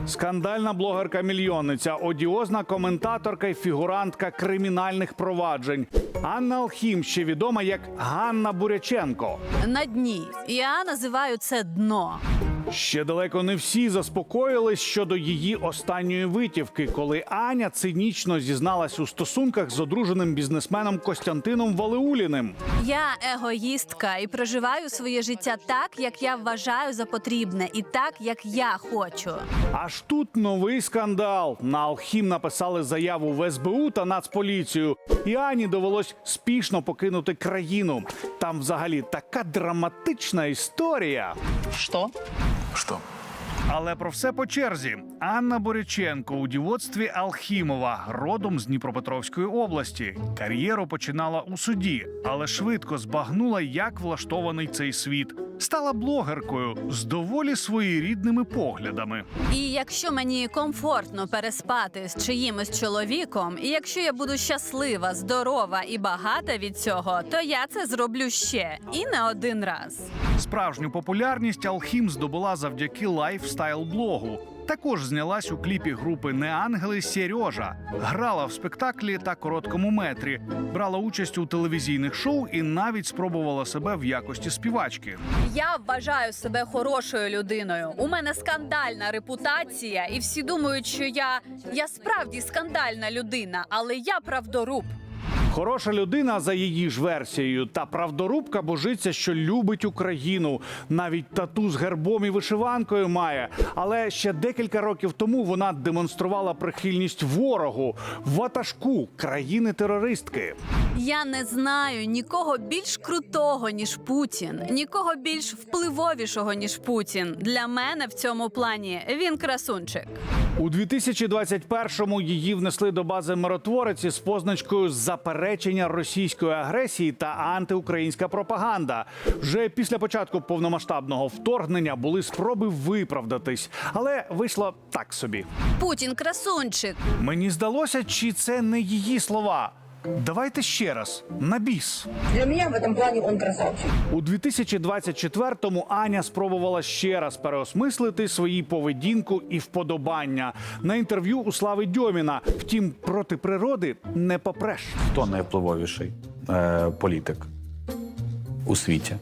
Скандальна блогерка-мільйонниця, одіозна коментаторка і фігурантка кримінальних проваджень. Анна Алхім, ще відома як Ганна Буряченко. На дні. Я називаю це дно. Ще далеко не всі заспокоїлись щодо її останньої витівки, коли Аня цинічно зізналась у стосунках з одруженим бізнесменом Костянтином Валеуліним. Я егоїстка і проживаю своє життя так, як я вважаю за потрібне, і так, як я хочу. Аж тут новий скандал. На Алхім написали заяву в СБУ та Нацполіцію. І Ані довелось спішно покинути країну. Там взагалі така драматична історія. Что? Что? Але про все по черзі. Анна Буряченко у дівоцтві Алхімова, родом з Дніпропетровської області. Кар'єру починала у суді, але швидко збагнула, як влаштований цей світ. Стала блогеркою з доволі своєрідними поглядами. І якщо мені комфортно переспати з чиїмось чоловіком, і якщо я буду щаслива, здорова і багата від цього, то я це зроблю ще. І не один раз. Справжню популярність Алхім здобула завдяки лайфстайл-блогу. Також знялась у кліпі групи «Неангели» Сережа. Грала в спектаклі та короткому метрі. Брала участь у телевізійних шоу і навіть спробувала себе в якості співачки. Я вважаю себе хорошою людиною. У мене скандальна репутація, і всі думають, що я справді скандальна людина, але я правдоруб. Хороша людина, за її ж версією, та правдорубка божиться, що любить Україну. Навіть тату з гербом і вишиванкою має. Але ще декілька років тому вона демонструвала прихильність ворогу, ватажку країни-терористки. Я не знаю нікого більш крутого, ніж Путін, нікого більш впливовішого, ніж Путін. Для мене в цьому плані він красунчик. У 2021-му її внесли до бази миротвореці з позначкою «Заперечення російської агресії та антиукраїнська пропаганда». Вже після початку повномасштабного вторгнення були спроби виправдатись, але вийшло так собі. Путін красунчик. Мені здалося, чи це не її слова. Давайте ще раз, на біс. Для меня в этом плане он красавчик. У 2024-му Аня спробувала ще раз переосмислити свої поведінку і вподобання. На інтерв'ю у Слави Дьоміна. Втім, проти природи не попреш. Хто найвпливовіший політик у світі?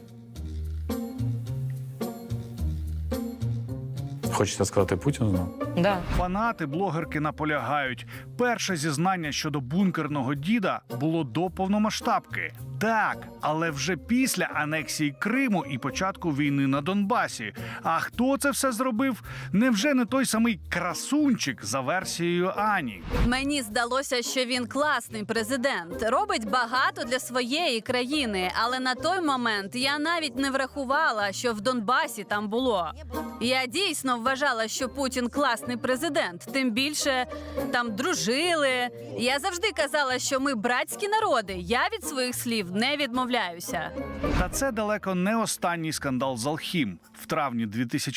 Хочете сказати Путіну? Да. Фанати блогерки наполягають. Перше зізнання щодо бункерного діда було до повномасштабки. Так, але вже після анексії Криму і початку війни на Донбасі. А хто це все зробив? Невже не той самий красунчик за версією Ані? Мені здалося, що він класний президент, робить багато для своєї країни, але на той момент я навіть не врахувала, що в Донбасі там було. Я дійсно вважала, що Путін класний президент, тим більше там дружили. Я завжди казала, що ми братські народи, я від своїх слів не відмовляюся. Та це далеко не останній скандал з Алхім. В травні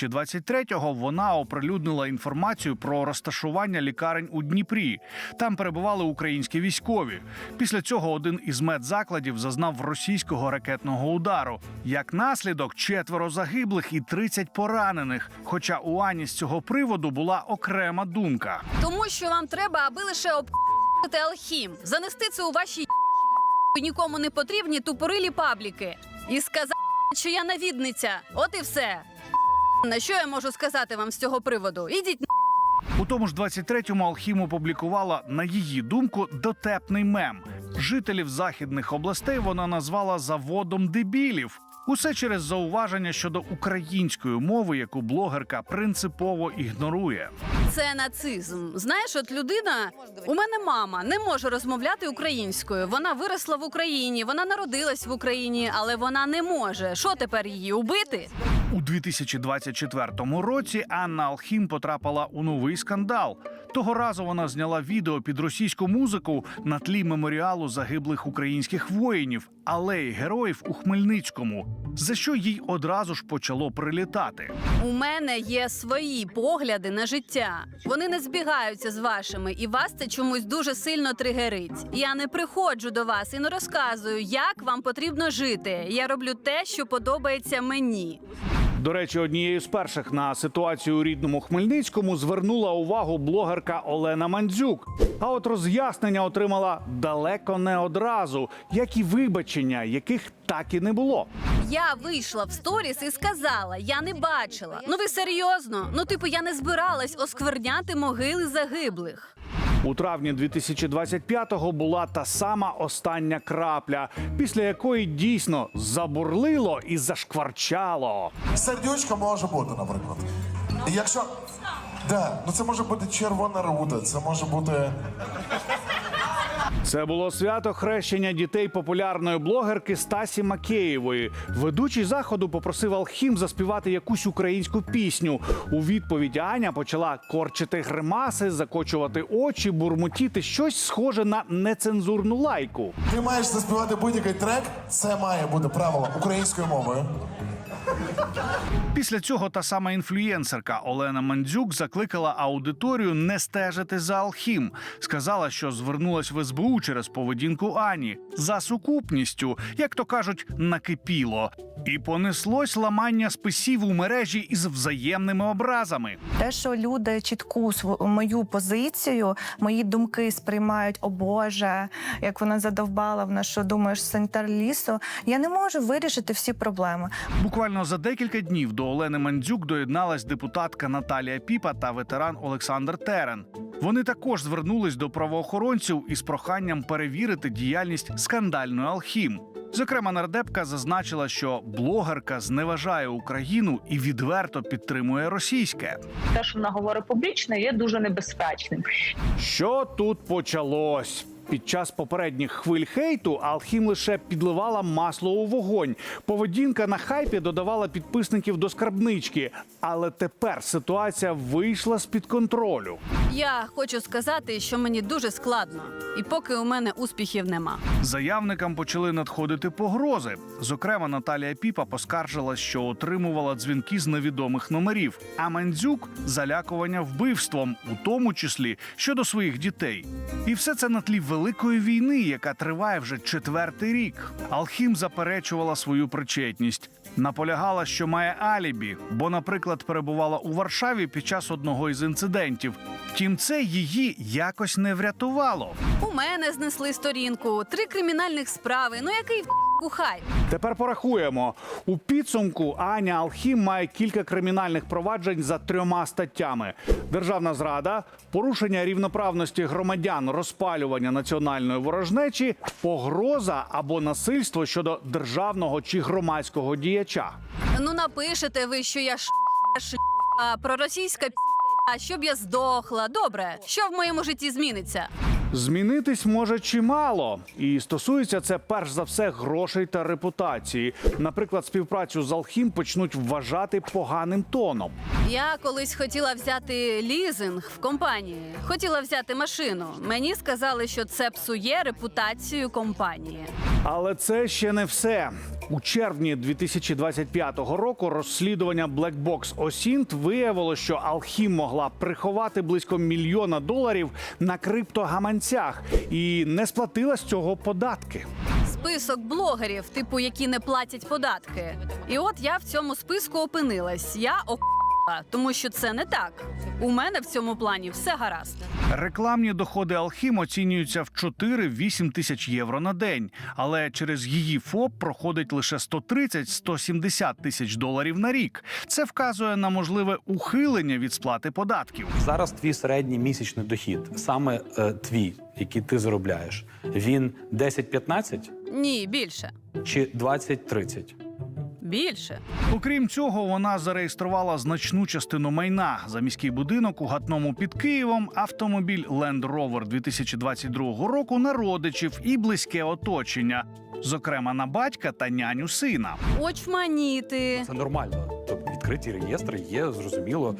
2023-го вона оприлюднила інформацію про розташування лікарень у Дніпрі. Там перебували українські військові. Після цього один із медзакладів зазнав російського ракетного удару. Як наслідок, 4 загиблих і 30 поранених. Хоча у Ані з цього приводу була окрема думка. Тому що вам треба, аби лише об'їхати Алхім, занести це у ваші нікому не потрібні тупорилі пабліки і сказати, що я навідниця. От і все. На що я можу сказати вам з цього приводу? Ідіть. У тому ж 23-му Алхім опублікувала, на її думку, дотепний мем. Жителів західних областей вона назвала «заводом дебілів». Усе через зауваження щодо української мови, яку блогерка принципово ігнорує. Це нацизм. Знаєш, от людина, у мене мама не може розмовляти українською. Вона виросла в Україні, вона народилась в Україні, але вона не може. Що тепер її убити? У 2024 році Анна Алхім потрапила у новий скандал. Того разу вона зняла відео під російську музику на тлі меморіалу загиблих українських воїнів, алеї героїв у Хмельницькому, за що їй одразу ж почало прилітати. У мене є свої погляди на життя. Вони не збігаються з вашими, і вас це чомусь дуже сильно тригерить. Я не приходжу до вас і не розказую, як вам потрібно жити. Я роблю те, що подобається мені. До речі, однією з перших на ситуацію у рідному Хмельницькому звернула увагу блогерка Олена Мандзюк. А от роз'яснення отримала далеко не одразу, як і вибачення, яких так і не було. Я вийшла в сторіс і сказала, я не бачила. Ну ви серйозно? Ну типу я не збиралась оскверняти могили загиблих. У травні 2025-го була та сама остання крапля, після якої дійсно забурлило і зашкварчало. Сердючка може бути, наприклад. І якщо. Да, ну це може бути червона рута, це може бути. Це було свято хрещення дітей популярної блогерки Стасі Макеєвої. Ведучий заходу попросив Алхім заспівати якусь українську пісню. У відповідь Аня почала корчити гримаси, закочувати очі, бурмотіти щось схоже на нецензурну лайку. Ти маєш заспівати будь-який трек, це має бути правило українською мовою. Після цього та сама інфлюєнсерка Олена Мандзюк закликала аудиторію не стежити за Алхім. Сказала, що звернулась в СБУ через поведінку Ані. За сукупністю, як то кажуть, накипіло. І понеслось ламання списів у мережі із взаємними образами. Те, що люди чітку мою позицію, мої думки сприймають, о Боже, як вона задовбала, вона що, думаєш, санітар лісу, я не можу вирішити всі проблеми. Буквально за декілька днів до Олени Мандзюк доєдналась депутатка Наталія Піпа та ветеран Олександр Терен. Вони також звернулись до правоохоронців із проханням перевірити діяльність скандальної Алхім. Зокрема, нардепка зазначила, що блогерка зневажає Україну і відверто підтримує російське. Те, що вона говорить публічно, є дуже небезпечним. Що тут почалось? Під час попередніх хвиль хейту Алхім лише підливала масло у вогонь. Поведінка на хайпі додавала підписників до скарбнички. Але тепер ситуація вийшла з-під контролю. Я хочу сказати, що мені дуже складно. І поки у мене успіхів нема. Заявникам почали надходити погрози. Зокрема, Наталія Піпа поскаржилась, що отримувала дзвінки з невідомих номерів. А Мандзюк – залякування вбивством, у тому числі щодо своїх дітей. І все це на тлі великої війни, яка триває вже 4-й рік. Алхім заперечувала свою причетність. Наполягала, що має алібі, бо, наприклад, перебувала у Варшаві під час одного із інцидентів. Втім, це її якось не врятувало. У мене знесли сторінку, 3 кримінальних справи. Ну який хайп? Тепер порахуємо. У підсумку Аня Алхім має кілька кримінальних проваджень за 3 статтями: державна зрада, порушення рівноправності громадян, розпалювання національної ворожнечі, погроза або насильство щодо державного чи громадського діяча. Ну напишете ви, що я проросійська щоб я здохла. Добре, що в моєму житті зміниться? Змінитись може чимало. І стосується це перш за все грошей та репутації. Наприклад, співпрацю з Алхім почнуть вважати поганим тоном. Я колись хотіла взяти лізинг в компанії. Хотіла взяти машину. Мені сказали, що це псує репутацію компанії. Але це ще не все. У червні 2025 року розслідування Black Box OSINT виявило, що Алхім могла приховати близько $1 мільйона на криптогаманцях і не сплатила з цього податки. Список блогерів, типу, які не платять податки. І от я в цьому списку опинилась. Я тому що це не так. У мене в цьому плані все гаразд. Рекламні доходи Алхім оцінюються в 4-8 тисяч євро на день. Але через її ФОП проходить лише $130-170 тисяч на рік. Це вказує на можливе ухилення від сплати податків. Зараз твій середній місячний дохід, саме твій, який ти заробляєш, він 10-15 Ні, більше. чи 20-30? Більше. Окрім цього, вона зареєструвала значну частину майна: за міський будинок у Гатному під Києвом, автомобіль Land Rover 2022 року на родичів і близьке оточення, зокрема на батька та няню сина. Очманіти. Це нормально. Тобто відкриті реєстри є, зрозуміло,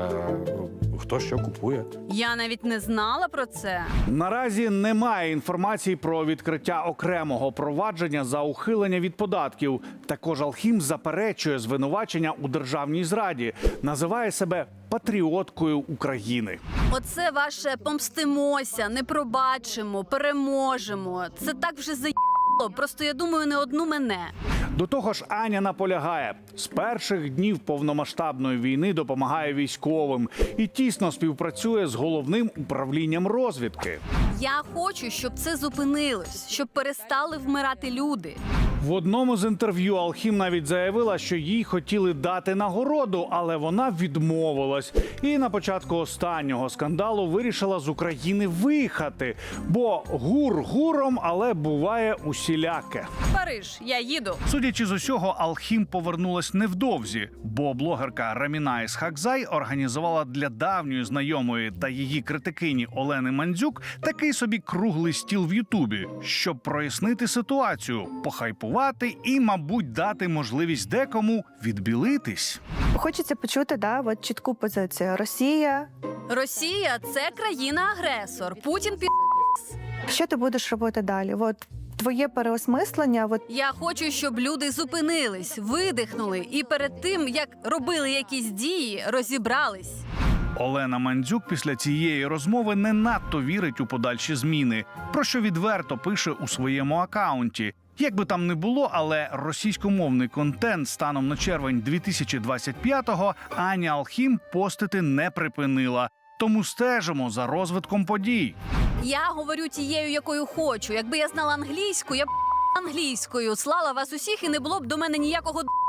хто що купує. Я навіть не знала про це. Наразі немає інформації про відкриття окремого провадження за ухилення від податків. Також Алхім заперечує звинувачення у державній зраді, називає себе патріоткою України. Оце ваше помстимося, не пробачимо, переможемо. Це так вже просто я думаю, не одну мене. До того ж, Аня наполягає, з перших днів повномасштабної війни допомагає військовим і тісно співпрацює з головним управлінням розвідки. Я хочу, щоб це зупинилось, щоб перестали вмирати люди. В одному з інтерв'ю Алхім навіть заявила, що їй хотіли дати нагороду, але вона відмовилась. І на початку останнього скандалу вирішила з України виїхати. Бо гур гуром, але буває усіляке. Париж, я їду. Судячи з усього, Алхім повернулась невдовзі, бо блогерка Раміна Ісхакзай організувала для давньої знайомої та її критикині Олени Мандзюк такий собі круглий стіл в Ютубі, щоб прояснити ситуацію, похайпувати і, мабуть, дати можливість декому відбілитись. Хочеться почути, от чітку позицію. Росія. Росія – це країна-агресор. Путін Що ти будеш робити далі? От твоє переосмислення. Я хочу, щоб люди зупинились, видихнули і перед тим, як робили якісь дії, розібрались. Олена Мандзюк після цієї розмови не надто вірить у подальші зміни, про що відверто пише у своєму акаунті. Як би там не було, але російськомовний контент станом на червень 2025-го Аня Алхім постити не припинила. Тому стежимо за розвитком подій. Я говорю тією, якою хочу. Якби я знала англійську, я б англійською слала вас усіх і не було б до мене ніякого